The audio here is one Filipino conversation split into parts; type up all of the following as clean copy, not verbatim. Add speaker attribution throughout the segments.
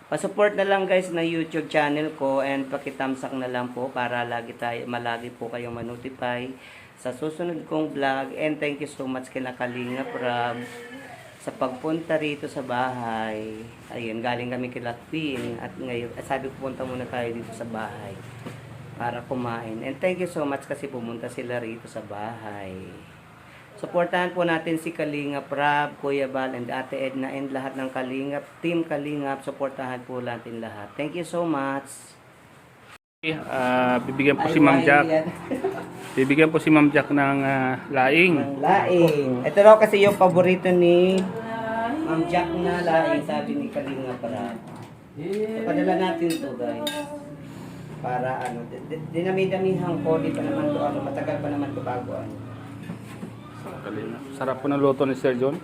Speaker 1: Pa-support na lang guys na YouTube channel ko and pakitamsak na lang po para malagi po kayong ma-notify sa susunod kong vlog. And thank you so much kay Kalinga Prab sa pagpunta rito sa bahay. Ayun, galing kami kay Latwin at ngayon sabi ko punta muna tayo dito sa bahay para kumain. And thank you so much kasi pumunta sila rito sa bahay. Suportahan po natin si Kalinga Prab, Kuya Bal, and Ate Edna, and lahat ng Kalingap, Team Kalingap. Suportahan po natin lahat. Thank you so much.
Speaker 2: Bibigyan po si Ma'am Jack. Bibigyan po si Ma'am Jack ng laing.
Speaker 1: Ng laing. Ito raw kasi yung paborito ni Ma'am Jack na laing, sabi ni Kalinga Prab. So, padala natin to guys. Para ano, dinami-damihan ko, di pa naman to, ano, matagal pa naman to bago ano.
Speaker 2: Sarap po ng luto ni Sir John.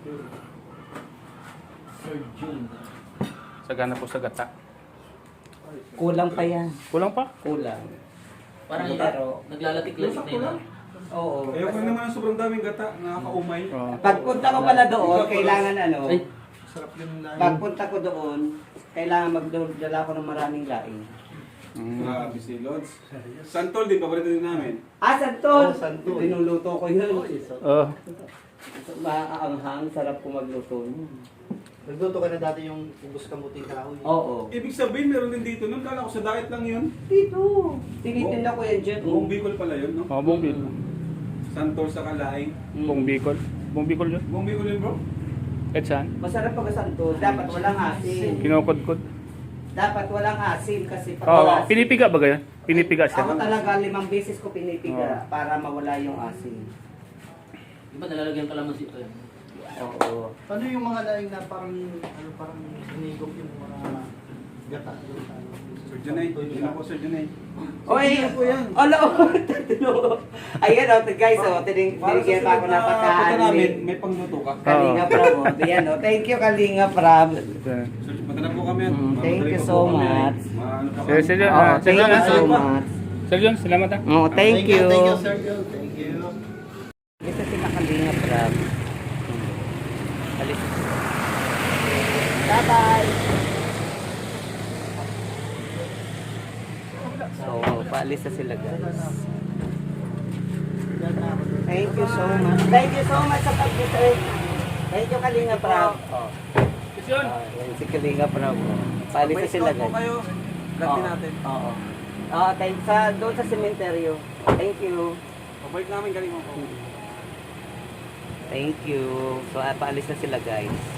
Speaker 2: Sagana po sa gata.
Speaker 1: Kulang pa yan.
Speaker 2: Kulang pa?
Speaker 1: Kulang.
Speaker 3: Parang
Speaker 1: pero
Speaker 3: naglalatik-latik na yun.
Speaker 1: oo.
Speaker 4: Ayaw ko naman sobrang daming gata, nakakaumay.
Speaker 1: Pagpunta ko pala doon, kailangan ano,
Speaker 3: Ay.
Speaker 4: Sarap yung laing.
Speaker 1: pagpunta ko doon, kailangan magdala ko ng maraming laing.
Speaker 4: Grabe si Lods. Santol din, paborito din namin.
Speaker 1: Santol!
Speaker 4: Santol.
Speaker 1: Tinuluto ko yun.
Speaker 2: Oh.
Speaker 1: Maaanghang, sarap ko magluto yun.
Speaker 5: Nagluto ka na dati yung ubos kamuting kahoy.
Speaker 1: Oo.
Speaker 4: Ibig sabihin, meron din dito. Nung kala ko sa diet lang yun.
Speaker 1: Dito. Tinitinda ko yan dyan.
Speaker 4: Buong Bicol pala yun, no?
Speaker 2: Oh, buong Bicol.
Speaker 4: Santol sa kalaing.
Speaker 2: Buong Bicol. Buong Bicol yun.
Speaker 4: Buong Bicol yun, bro?
Speaker 2: Kahit saan?
Speaker 1: Masarap pag santol. Dapat walang asin.
Speaker 2: Kinukod-kod.
Speaker 1: Dapat walang asin kasi pag
Speaker 2: Oh,
Speaker 1: wala asin.
Speaker 2: pinipiga ba ganyan? Pinipiga
Speaker 1: Ako
Speaker 2: siya.
Speaker 1: talaga 5 beses ko pinipiga para mawala yung asin.
Speaker 3: Di ba nalalagyan ka lang ng sito yan?
Speaker 1: Oo.
Speaker 5: Ano yung mga laing na parang hinigop yung mga gata doon sa ano?
Speaker 4: Sir Junay. Yun ako, Sir Junay.
Speaker 1: Oy, ala, ayan o, guys, binigyan pa ako ng pagkain.
Speaker 4: namin, may pangluto ka.
Speaker 1: Kalinga Prab, o. Ayan o, thank you Kalinga Prab.
Speaker 4: Mata na po kami.
Speaker 1: Thank you so much.
Speaker 2: Sir John,
Speaker 1: Oh,
Speaker 2: Sir
Speaker 1: thank
Speaker 2: John,
Speaker 1: you so much.
Speaker 2: Sir John, salamat ha.
Speaker 1: Oh, thank you.
Speaker 5: Thank you, Sir Joe. Thank you.
Speaker 1: Ito sila Kalinga Prab. Alis. Bye-bye. So, paalis na sila guys. Thank you so much. Thank you so much sa pag-visit. Thank you Kalinga Prab. Oh.
Speaker 2: John.
Speaker 1: Yan si Kalinga Prab. Paalis na sila guys.
Speaker 4: kayo. Latin natin.
Speaker 1: Oo. Thanks doon sa sementeryo. Thank you.
Speaker 4: Pabalik namin galing mo.
Speaker 1: Thank you. So, paalis na sila guys.